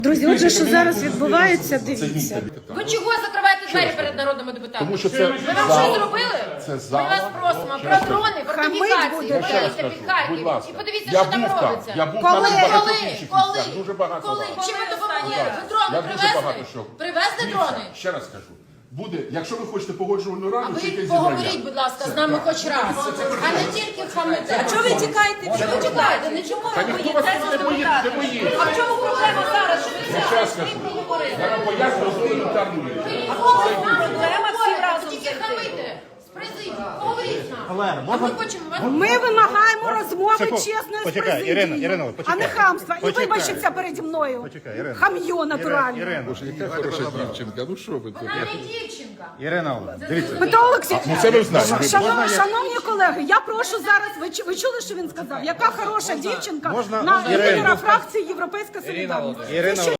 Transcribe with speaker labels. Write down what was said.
Speaker 1: Друзі, отже, що зараз відбувається, дивіться.
Speaker 2: Ви чого закриваєте двері перед народними депутатами?
Speaker 3: Тому що це
Speaker 2: Ви нам що зробили?
Speaker 3: Це
Speaker 2: Ми
Speaker 3: зала.
Speaker 2: вас просимо про дрони, фортифікації,
Speaker 3: Я ще раз
Speaker 2: подивіться
Speaker 3: кажу,
Speaker 2: під Харків
Speaker 3: будь ласка.
Speaker 2: і подивіться,
Speaker 3: Я
Speaker 2: що там
Speaker 3: був там,
Speaker 2: робиться.
Speaker 3: я був
Speaker 1: Коли?
Speaker 3: там і багато
Speaker 2: Коли?
Speaker 3: інших
Speaker 2: Коли?
Speaker 3: місцях, дуже багато.
Speaker 2: Коли?
Speaker 3: раз.
Speaker 2: Чим ви допомогли?
Speaker 3: Будь
Speaker 2: Ви дрони
Speaker 3: Я дуже багато
Speaker 2: привезли?
Speaker 3: що.
Speaker 2: Привезли
Speaker 3: Дивіться,
Speaker 2: дрони?
Speaker 3: ще раз кажу. Буде, якщо ви хочете погоджувальну
Speaker 2: А
Speaker 3: раду, чи
Speaker 2: ви
Speaker 3: якесь
Speaker 2: поговоріть,
Speaker 3: зібрання.
Speaker 2: будь ласка, з нами хоч раз, а не тільки хамите.
Speaker 4: А чого ви тікаєте?
Speaker 2: Чого ви тікаєте? Не чому
Speaker 3: Та
Speaker 2: ви
Speaker 3: ніхто вас
Speaker 2: боїтеся
Speaker 3: не боїться, не боїться.
Speaker 2: А в чому проблема зараз, що ви
Speaker 3: Я ще раз кажу. Я вам поясню елементарну річ.
Speaker 2: проблема всі разом тільки хамите. З президії, поговоріть з нами. А ми хочемо вас...
Speaker 1: Ми вимагаємо розмови чесної з
Speaker 5: Почекай,
Speaker 1: президією,
Speaker 5: Ірина,
Speaker 1: а
Speaker 5: почекай.
Speaker 1: не хамства. І
Speaker 5: Почекай.
Speaker 1: вибачиться переді мною.
Speaker 5: Почекай, Ірина.
Speaker 1: Хам'йо натуральне.
Speaker 5: Ірина,
Speaker 3: Яка хороша дівчинка, ну що ви тут?
Speaker 2: Вона не дівчинка.
Speaker 5: Ірина, дивіться.
Speaker 1: Петро Олексійович,
Speaker 3: Ну це ви знаєте.
Speaker 1: шановні колеги, я прошу зараз, ви чули, що він сказав? Яка хороша дівчинка
Speaker 5: можна-
Speaker 1: на
Speaker 5: Ірина.
Speaker 1: лідера фракції Європейська Солідарність.
Speaker 5: Ірина,